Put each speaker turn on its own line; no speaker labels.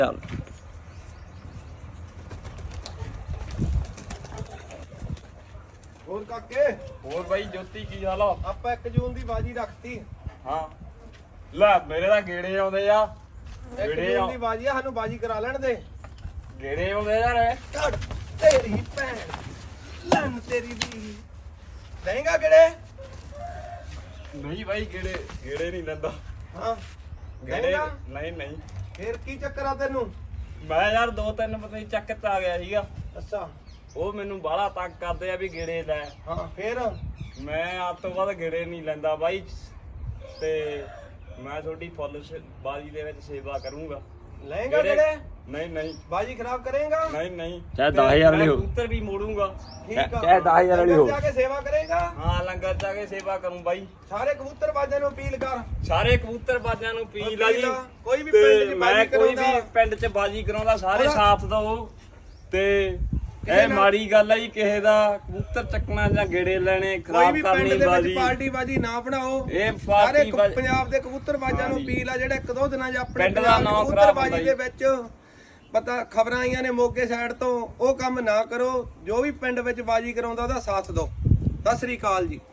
ਚੱਲ
ਹੋਰ ਕਾਕੇ
ਹੋਰ ਬਾਈ ਜੋਤੀ ਕੀ ਹਾਲ ਆ?
ਆਪਾਂ 1 ਜੂਨ ਦੀ ਬਾਜੀ ਰੱਖਤੀ।
ਹਾਂ ਲੈ ਮੇਰੇ ਤਾਂ ਗੇੜੇ ਆਉਂਦੇ ਆ
1 ਜੂਨ ਦੀ ਬਾਜੀ ਆ, ਸਾਨੂੰ ਬਾਜੀ ਕਰਾ ਲੈਣ ਦੇ।
ਗੇੜੇ ਆਉਂਦੇ ਯਾਰ
ਕੱਢ ਤੇਰੀ ਭੈਣ ਲੰਨ ਤੇਰੀ ਦੀ ਦੇਂਗਾ ਕਿਹੜੇ?
ਨਹੀਂ ਬਾਈ ਗੇੜੇ ਨਹੀਂ ਲੈਂਦਾ।
ਹਾਂ
ਗੇੜੇ
ਦੇਂਗਾ?
ਨਹੀਂ
ਫੇਰ ਕੀ ਚੱਕਰ ਆ ਤੈਨੂੰ?
ਮੈਂ ਯਾਰ 2-3 ਪਤਾ ਨਹੀਂ ਚੱਕ ਤੇ ਆ ਗਿਆ ਸੀਗਾ,
ਅੱਛਾ
ਉਹ ਮੈਨੂੰ ਬਾਹਲਾ ਤੰਗ ਕਰਦੇ ਆ ਵੀ ਗੇੜੇ ਲੈ।
ਹਾਂ ਫੇਰ
ਮੈਂ ਆਪ ਤੋਂ ਬਾਅਦ ਗੇੜੇ ਨਹੀਂ ਲੈਂਦਾ ਬਾਈ, ਤੇ ਮੈਂ ਤੁਹਾਡੀ ਫੁੱਲ ਬਾਜੀ ਦੇ ਵਿੱਚ ਸੇਵਾ ਕਰੂੰਗਾ।
ਲਏਗਾ ਕਿਹੜੇ?
ਨਹੀਂ
ਬਾਜੀ ਖਰਾਬ ਕਰੇਗਾ?
ਨਹੀਂ
ਚਾਹੇ 10,000 ਵਾਲੀ ਹੋ।
ਕਬੂਤਰ ਵੀ ਮੋੜੂੰਗਾ।
ਠੀਕ ਆ,
ਚਾਹੇ 10,000 ਵਾਲੀ ਹੋ।
ਜਾ ਕੇ ਸੇਵਾ ਕਰੇਗਾ?
ਹਾਂ ਲੰਗਰ ਜਾ ਕੇ ਸੇਵਾ ਕਰੂੰ ਬਾਈ।
ਸਾਰੇ ਕਬੂਤਰ ਬਾਜਾਂ ਨੂੰ ਅਪੀਲ ਕਰ।
ਸਾਰੇ ਕਬੂਤਰ ਬਾਜਾਂ ਨੂੰ ਅਪੀਲ ਆ ਜੀ,
ਕੋਈ ਵੀ ਪਿੰਡ ਦੀ
ਮੈਂ
ਬਾਜੀ
ਕੋਈ
ਕਰਾਉਂਦਾ
ਵੀ ਪਿੰਡ 'ਚ ਬਾਜੀ ਕਰਾਉਂਦਾ ਸਾਰੇ
ਉਹਦਾ-
ਸਾਥ ਦਓ। ਤੇ
ਕਿਸੇ
ਇਹ
ਨਾਲ-
ਮਾੜੀ ਗੱਲ ਆ ਜੀ ਕਿਸੇ ਦਾ ਕਬੂਤਰ ਚੱਕਣਾ ਜਾਂ ਗੇੜੇ ਲੈਣੇ
ਕੋਈ
ਖਰਾਬ
ਵੀ ਪਿੰਡ
ਕਰਨੀ
ਦੇ ਵਿੱਚ
ਬਾਜੀ।
ਪਾਰਟੀ ਬਾਜੀ ਨਾ ਬਣਾਓ।
ਇਹ
ਸਾਰੇ
ਪਾਰਟੀ ਬਾਜੀ
ਪੰਜਾਬ ਦੇ ਕਬੂਤਰ ਬਾਜਾਂ ਨੂੰ ਅਪੀਲ ਆ ਜਿਹੜੇ 1-2 ਦਿਨਾਂ 'ਚ ਆਪਣੇ
ਪਿੰਡ ਦਾ
ਪੰਜਾਬ
ਨਾਂ
ਕਬੂਤਰ
ਖਰਾਬ
ਬਾਜੀ
ਹੁੰਦਾ
ਦੇ ਵਿੱਚ ਪਤਾ ਖਬਰਾਂ ਆਈਆਂ ਨੇ ਮੋਗੇ ਸਾਈਡ ਤੋਂ, ਉਹ ਕੰਮ ਨਾ ਕਰੋ। ਜੋ ਵੀ ਪਿੰਡ ਵਿੱਚ ਬਾਜੀ ਕਰਾਉਂਦਾ ਉਹਦਾ ਸਾਥ ਦਿਓ। ਸਤਿ ਸ੍ਰੀ ਅਕਾਲ ਜੀ।